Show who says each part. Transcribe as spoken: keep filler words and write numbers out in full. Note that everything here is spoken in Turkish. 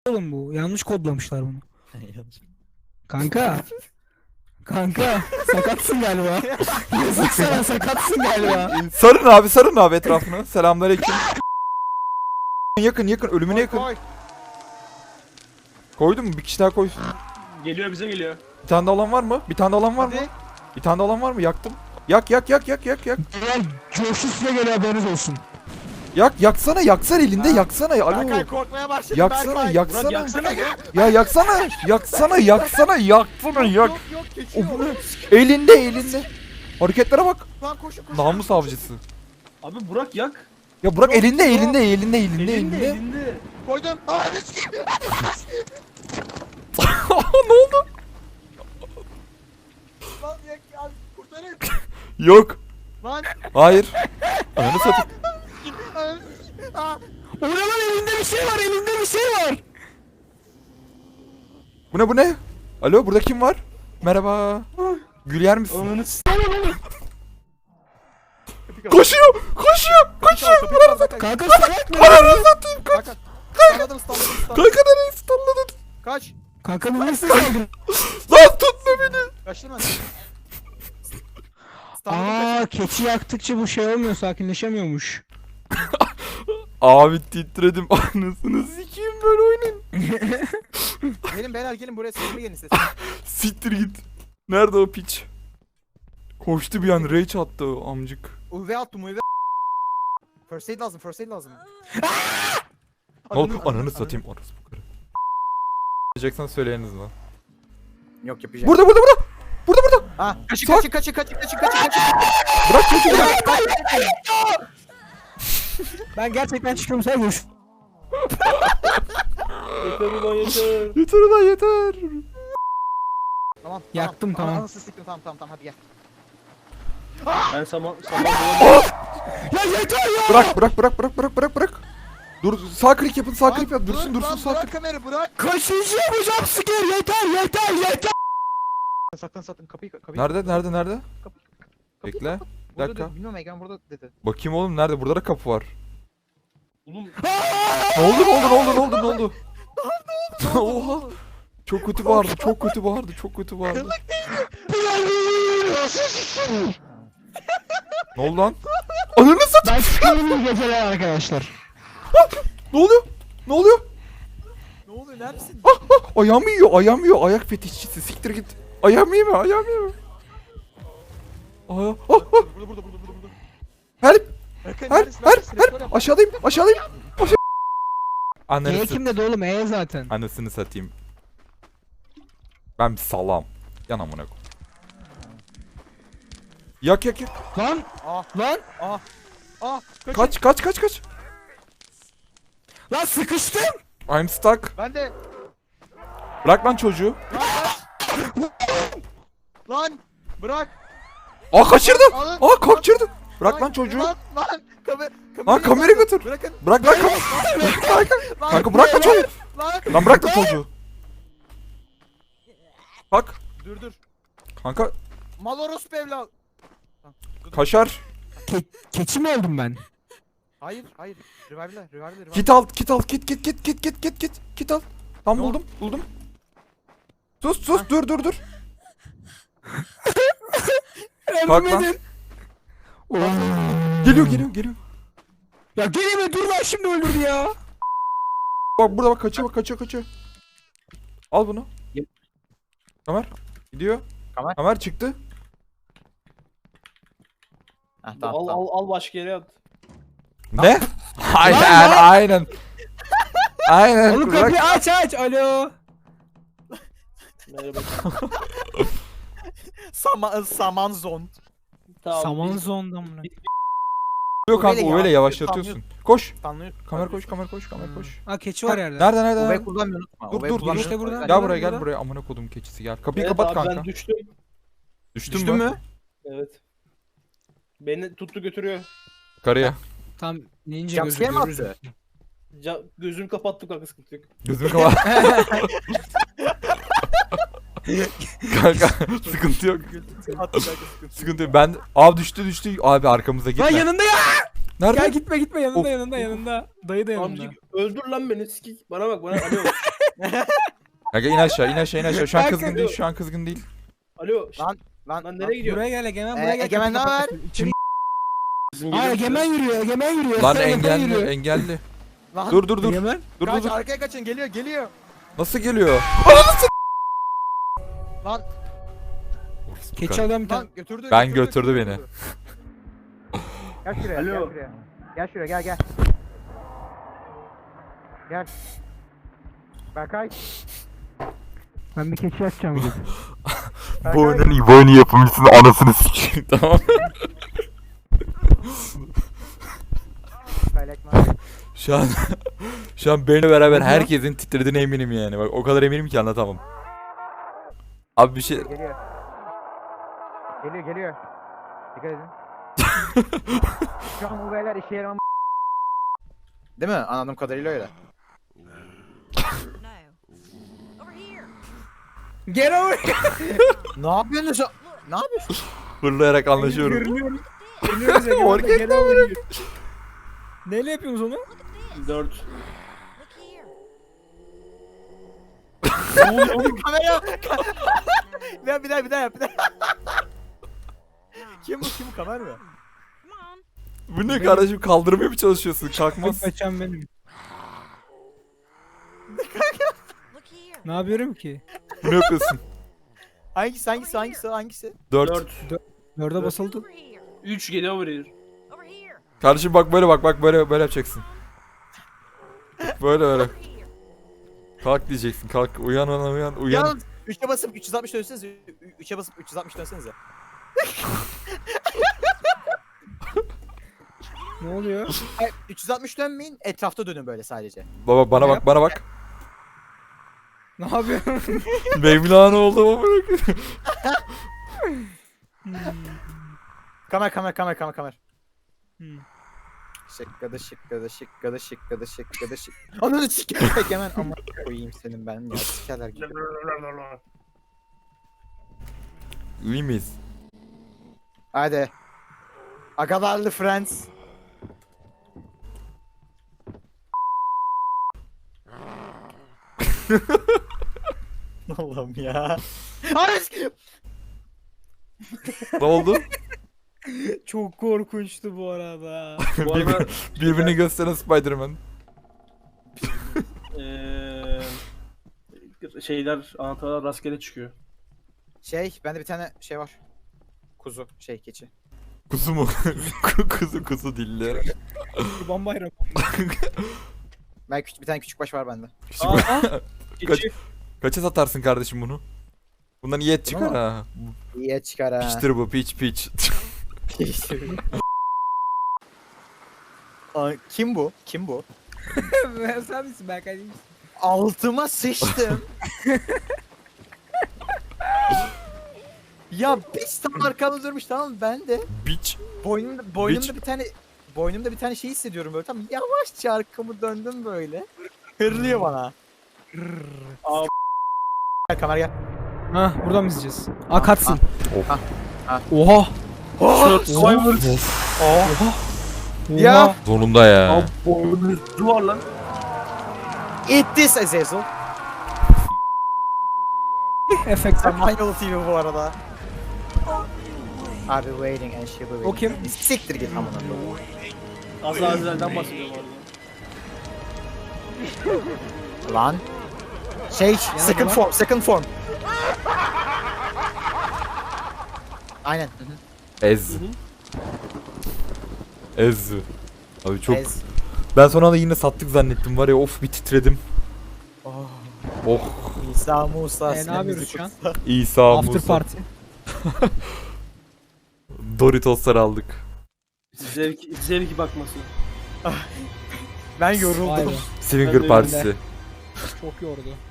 Speaker 1: oğlum bu. Yanlış kodlamışlar bunu. Kanka. Kanka sakatsın galiba. Yazık sana, sakatsın galiba.
Speaker 2: Sarın abi, sarın abi etrafını. Selamünaleyküm. Yakın yakın, ölümüne yakın.
Speaker 3: Koy.
Speaker 2: Koydun mu? Bir kişi daha koysun.
Speaker 4: Geliyor, bize geliyor.
Speaker 2: Bir tane de olan var mı? Bir tane de olan var mı?
Speaker 3: Hadi.
Speaker 2: Bir tane de olan var mı? Yaktım. Yak yak yak yak yak yak.
Speaker 1: Eğer coşu size geliyor, haberiniz olsun.
Speaker 2: Yak yaksana, yaksana elinde, yaksana. Alo.
Speaker 3: Berkay korkmaya başladı.
Speaker 2: Yaksana,
Speaker 3: Berkay.
Speaker 2: yaksana.
Speaker 4: Murat yaksana ya.
Speaker 2: Ya yaksana, yaksana, yaksana, yaksana, yak.
Speaker 3: Yok yok geçiyor.
Speaker 2: O bu ne? Elinde, elinde. Hareketlere bak.
Speaker 3: Lan koşun koşun.
Speaker 2: Namus avcısı.
Speaker 4: Abi Burak yak.
Speaker 2: Ya bırak,
Speaker 3: Yok,
Speaker 2: elinde,
Speaker 3: yok.
Speaker 2: elinde, elinde, elinde,
Speaker 4: Elinde,
Speaker 2: elinde.
Speaker 4: elinde.
Speaker 3: Koydum. Aa, ne s-
Speaker 2: Ne oldu?
Speaker 3: Lan yak ya kurtarın.
Speaker 2: Yok.
Speaker 3: Lan.
Speaker 2: Hayır. Ananı satayım.
Speaker 3: Aa,
Speaker 1: O ne lan, elinde bir şey var, elinde bir şey var.
Speaker 2: Bu ne bu ne? Alo, burada kim var? Merhaba. Gül yer misin?
Speaker 4: Ananı s***.
Speaker 2: Koşuyor, koşuyor, koşuyor.
Speaker 3: kapıyı kapat.
Speaker 1: Kanka salak mı?
Speaker 2: Ananı satayım. Kaç.
Speaker 3: Kanka. Stunladım stunladım stunladım.
Speaker 2: Kanka nereye stunladın?
Speaker 3: Kaç.
Speaker 1: Kanka bu nasıl saldırı?
Speaker 2: Lan tutma beni.
Speaker 3: Kaçtırma.
Speaker 1: Aa, keçi yaktıkça bu şey olmuyor, sakinleşemiyormuş.
Speaker 2: Abi titredim, anasını sikeyim, böyle oynayın.
Speaker 3: Gelin beyler gelin buraya sesime gelin sesime.
Speaker 2: Siktir git. Nerede o piç? Koştu bir an, rage attı o amcık.
Speaker 3: U V attım U V. First aid lazım first aid lazım.
Speaker 2: Ne oldu? Ananı satayım, orası bu kadar. Diyeceksen söyleyiniz lan.
Speaker 3: Yok yapacağım.
Speaker 2: Burada burada burada. Burada burada.
Speaker 3: Ha kaçın
Speaker 2: Sağ-
Speaker 3: kaçın kaçın kaçın kaçın kaçın kaçın.
Speaker 2: Bırak çocuğu bırak.
Speaker 1: Ben gerçekten çıkıyorum, sen görüş.
Speaker 4: Yeter ulan yeter.
Speaker 2: Yeter ulan yeter.
Speaker 3: Tamam.
Speaker 1: Yaktım, tamam.
Speaker 3: Anasını siktim tamam tamam tamam hadi gel.
Speaker 4: Ben saman saman bulamıyorum.
Speaker 1: Ya yeter ya.
Speaker 2: Bırak bırak bırak bırak bırak bırak bırak. Dur, sağ klik yapın, sağ klik yap.
Speaker 3: Lan,
Speaker 2: Dursun
Speaker 3: dur,
Speaker 2: dursun,
Speaker 3: lan,
Speaker 2: sağ
Speaker 3: bırak
Speaker 2: klik.
Speaker 3: kamerayı bırak.
Speaker 1: Kaçıncı yapacağım sker, yeter yeter yeter.
Speaker 3: Saklan saklan kapıyı kapıyı.
Speaker 2: Nerede nerede nerede?
Speaker 3: Kapıyı
Speaker 2: Bekle.
Speaker 3: kapat.
Speaker 2: Bir
Speaker 3: Burada
Speaker 2: dakika.
Speaker 3: dedi, bilmiyorum Egemen burada dedi.
Speaker 2: Bakayım oğlum, nerede? Burada da kapı var.
Speaker 4: Oğlum
Speaker 2: Ne oldu ne oldu ne oldu ne oldu ne oldu? Oha. Çok kötü bağırdı, çok kötü bağırdı, çok kötü bağırdı. Ne oldu lan? Ananı satayım.
Speaker 1: Ben çıkıyorum, iyi geceler arkadaşlar.
Speaker 2: Ne oluyor? Ne oluyor?
Speaker 3: Ne oluyor neredesin?
Speaker 2: Ayağımı yiyor, ayağımı yiyor. Ayak fetişçisi, siktir git. Ayağımı yeme, ayağımı yeme. Aya, ah, ah.
Speaker 3: Burada burada burada burada burada.
Speaker 2: Help,
Speaker 3: Berkay,
Speaker 2: help,
Speaker 3: neredesin?
Speaker 2: help,
Speaker 3: Neredesin? Restore
Speaker 2: help.
Speaker 3: yap.
Speaker 2: Aşağıdayım, aşağıdayım. Aşağı. Ananı
Speaker 1: E
Speaker 2: sat-
Speaker 1: kimde de oğlum, E zaten.
Speaker 2: Anasını satayım. Ben bir salam. Yan amına koy. Yak yak yak.
Speaker 1: Lan
Speaker 3: Ah
Speaker 1: lan
Speaker 3: ah ah. Kaçın.
Speaker 2: Kaç kaç kaç kaç.
Speaker 1: lan sıkıştım.
Speaker 2: I'm stuck.
Speaker 3: Ben de
Speaker 2: Bırak lan çocuğu.
Speaker 3: lan bırak.
Speaker 2: Aa kaçırdım.
Speaker 3: Alın.
Speaker 2: Aa kaçırdım. Bırak lan çocuğu.
Speaker 3: Lan lan kamer
Speaker 2: Lan kamerayı götür.
Speaker 3: Bırakın.
Speaker 2: Bırak lan kamerayı.
Speaker 3: Lan,
Speaker 2: Kanka bırak lan çocuğu.
Speaker 3: Lan.
Speaker 2: Lan bırak lan çocuğu. Bak.
Speaker 3: Dur dur.
Speaker 2: Kanka
Speaker 3: Maloros evlat.
Speaker 2: kaşar.
Speaker 1: Ke keçi mi oldum ben?
Speaker 3: Hayır hayır. Revive'la revive'la revive'la.
Speaker 2: Kit al, kit al, kit kit kit kit kit kit kit kit al. Tam
Speaker 3: Ne
Speaker 2: buldum, buldum. Sus sus, dur dur dur. Bak lan.
Speaker 1: Ölmedin. Oo.
Speaker 2: Geliyor geliyor geliyor.
Speaker 1: Ya geleme, dur lan, şimdi öldürdü ya.
Speaker 2: Bak burada bak, kaçıyor bak, kaçıyor kaçıyor. Al bunu.
Speaker 4: Yep.
Speaker 2: Kamer gidiyor.
Speaker 3: Kamer.
Speaker 2: Kamer çıktı.
Speaker 3: Heh,
Speaker 4: al al al başka yere at.
Speaker 2: Ne? Aynen aynen. Aynen.
Speaker 1: Oğlum
Speaker 2: bırak.
Speaker 1: kapıyı aç aç, alo.
Speaker 4: Merhaba.
Speaker 3: Sama saman zone.
Speaker 4: Tamam.
Speaker 1: Saman
Speaker 4: biz-
Speaker 1: zonda mı?
Speaker 2: Yok kanka,
Speaker 3: Öyle
Speaker 2: öyle
Speaker 3: ya,
Speaker 2: yavaşlatıyorsun. Koş.
Speaker 3: Tanrı.
Speaker 2: Kamer koş, kamer koş, kamer koş.
Speaker 1: Ha, keçi var yerde.
Speaker 2: Nerede nerede?
Speaker 3: U V
Speaker 2: nerede?
Speaker 3: kullanmayı unutma.
Speaker 2: Dur,
Speaker 3: U V
Speaker 2: dur, dur,
Speaker 3: kullanmayı
Speaker 1: işte
Speaker 3: unutma.
Speaker 1: burada.
Speaker 2: Gel buraya,
Speaker 1: burada.
Speaker 2: gel buraya. Amına kodum keçisi gel. Kapıyı
Speaker 4: Evet
Speaker 2: kapat
Speaker 4: abi,
Speaker 2: kanka.
Speaker 4: ben düştüm.
Speaker 2: Düştün,
Speaker 3: Düştün
Speaker 2: mü?
Speaker 3: mü?
Speaker 4: Evet. Beni tuttu götürüyor.
Speaker 2: Karıya.
Speaker 1: Tam ninja gözü
Speaker 3: Jumpscare mi
Speaker 1: görürüz.
Speaker 3: attı?
Speaker 4: Ca gözümü kapattım kanka, sıkıntı yok.
Speaker 2: Gözümü kapat. Kanka sıkıntı yok.
Speaker 3: Attı kanka, sıkıntı.
Speaker 2: Sıkıntı yok. Ben abi düştü düştü. Abi arkamıza gitme.
Speaker 1: Lan yanında ya.
Speaker 2: Nerede?
Speaker 1: Gel gitme gitme, yanında
Speaker 2: Of,
Speaker 1: yanında yanında. Dayı da yanında.
Speaker 4: Amcık öldür lan beni, sikik. Bana bak, bana alo.
Speaker 2: Kanka in aşağı in aşağı in aşağı. Şu an
Speaker 1: Kanka,
Speaker 2: kızgın değil şu an kızgın değil.
Speaker 4: Alo. şşt,
Speaker 3: Lan lan.
Speaker 4: Lan nereye gidiyor?
Speaker 1: Buraya gel Egemen
Speaker 3: Ee,
Speaker 1: buraya gel.
Speaker 3: Egemen ne haber?
Speaker 1: İçim...
Speaker 4: Bizim
Speaker 1: Aa
Speaker 4: geliyor.
Speaker 1: Egemen yürüyor Egemen yürüyor.
Speaker 2: Lan
Speaker 1: Egemen
Speaker 2: engelli
Speaker 1: yürüyor.
Speaker 2: engelli.
Speaker 3: Lan.
Speaker 2: Dur dur dur.
Speaker 1: Egemen.
Speaker 2: Dur dur
Speaker 3: Kaç
Speaker 2: dur.
Speaker 3: arkaya kaçın geliyor geliyor.
Speaker 2: Nasıl geliyor?
Speaker 3: Lan
Speaker 1: Keçi adam bir tane.
Speaker 3: lan götürdü.
Speaker 2: Ben götürdü beni.
Speaker 3: Gel şuraya
Speaker 4: Alo.
Speaker 3: gel şuraya. Gel şuraya gel gel. Gel. Berkay.
Speaker 1: Ben bir keçi açacağım gidip.
Speaker 2: Bu oyunun iyi bu oyunu yapımcısının anasını sikeyim tamam.
Speaker 3: Berkay Lekman.
Speaker 2: Şu an şu an benimle beraber herkesin titrediğine eminim yani. Bak o kadar eminim ki anlatamam. Abi bir şey
Speaker 3: Geliyor. Geliyor geliyor. Dikkat edin. Şu an bu beyler işe yaramam. Değil mi? Anladığım kadarıyla öyle.
Speaker 5: No. Over here.
Speaker 1: Get over.
Speaker 3: Ne yapıyorsun şu? Ne yapıyorsun?
Speaker 2: fırlayarak anlaşıyorum.
Speaker 1: Görünüyoruz. Görünüyoruz Egemen'le. Get over here. Neyle yapıyorsunuz onu?
Speaker 4: Dört.
Speaker 5: Look here.
Speaker 4: Ne oluyor oğlum?
Speaker 3: Kamera. bir daha bir daha bir daha yap bir daha. Kim bu kim bu kamera mı?
Speaker 5: Come on.
Speaker 2: Bu ne kardeşim kaldırmaya mı çalışıyorsun? Kalkmaz.
Speaker 1: Kaçan benim.
Speaker 5: Look here.
Speaker 1: Ne yapıyorum ki?
Speaker 2: Bu ne yapıyorsun?
Speaker 3: Hangisi hangisi hangisi hangisi?
Speaker 2: Dört.
Speaker 4: Dört.
Speaker 1: Dörde basıldı.
Speaker 5: Over here.
Speaker 4: Üç geliyor over here.
Speaker 5: Over here.
Speaker 2: Kardeşim bak böyle bak bak böyle böyle yapacaksın. Böyle böyle.
Speaker 5: Over here.
Speaker 2: Kalk diyeceksin. Kalk uyan uyan uyan uyan.
Speaker 3: Yalnız üçe basıp üç yüz altmış dönsenize. üçe basıp üç yüz altmış dönsenize.
Speaker 1: Ne oluyor?
Speaker 3: Hayır, üç yüz altmış dönmeyin. Etrafta dönün böyle sadece.
Speaker 2: Baba bana bak bana bak.
Speaker 1: Ne yapıyorum?
Speaker 2: Mevlana oldu ama bırak.
Speaker 3: Kamer kamer kamer kamer kamer.
Speaker 1: Hmm.
Speaker 3: Şıkkada şıkkada şıkkada şıkkada şıkkada şık. Ananı sik. Hemen ama koyayım senin ben ya sikerler gibi.
Speaker 2: İyi miyiz?
Speaker 3: Hadi. Agalarlı friends. Allah'ım ya. Hayır.
Speaker 2: Ne oldu?
Speaker 1: Çok korkunçtu bu arada.
Speaker 4: Bu arada
Speaker 2: Birbirini gösteren Spider-Man.
Speaker 4: eee şeyler anahtarlar rastgele çıkıyor.
Speaker 3: Şey bende bir tane şey var. Kuzu şey keçi.
Speaker 2: Kuzu mu? kuzu kuzu dilleri.
Speaker 1: Kurban bayramı.
Speaker 3: Ben küçük bir tane küçük baş var bende.
Speaker 4: Aa, keçi.
Speaker 2: Kaça satarsın kardeşim bunu? Bundan iyi et çıkar
Speaker 3: Bunu
Speaker 2: ha.
Speaker 3: İyi çıkar ha.
Speaker 2: Piçtir bu piç piç.
Speaker 3: Aa, kim bu? Kim bu?
Speaker 1: Sen misin Berkay değil misin?
Speaker 3: Altıma sıçtım. ya biz tam arkamda durmuş tamam mı? Ben de
Speaker 2: Biç.
Speaker 3: boynumda boynumda
Speaker 2: Bitch.
Speaker 3: bir tane boynumda bir tane şey hissediyorum böyle tam yavaşça arkamı döndüm böyle. Hırlıyor bana.
Speaker 4: Aa,
Speaker 3: Gel kamera gel.
Speaker 1: Ha buradan mı izleyeceğiz? Aa katsın.
Speaker 3: Ah, ah.
Speaker 1: Oha.
Speaker 4: Survivor.
Speaker 3: Oh.
Speaker 1: Ya.
Speaker 2: Sonunda ya.
Speaker 4: Duvar lan.
Speaker 3: Eat this Azazel.
Speaker 1: Efekt.
Speaker 3: Samanyolu T V bu arada. I'll be waiting and she'll be waiting.
Speaker 1: O kim?
Speaker 3: Siktir git amına koyayım.
Speaker 4: Azazel'den bahsediyorum orada.
Speaker 3: Lan. Şey, second
Speaker 1: lan.
Speaker 3: form, second form. Aynen. hı hı.
Speaker 2: Ez. Ez. Abi çok.
Speaker 3: Ez.
Speaker 2: Ben sonra da yine sattık zannettim var ya of bir titredim.
Speaker 3: Oh.
Speaker 2: Oh
Speaker 3: İsa Musa.
Speaker 1: Ee, ne yapıyoruz şu an?
Speaker 2: İsa
Speaker 1: After
Speaker 2: Musa.
Speaker 1: party.
Speaker 2: Doritoslar aldık.
Speaker 4: Zevk, zevki bakması.
Speaker 3: Ben
Speaker 1: Vay
Speaker 3: yoruldum.
Speaker 1: be.
Speaker 2: Swinger
Speaker 4: Ben de
Speaker 2: partisi.
Speaker 1: Çok yordu.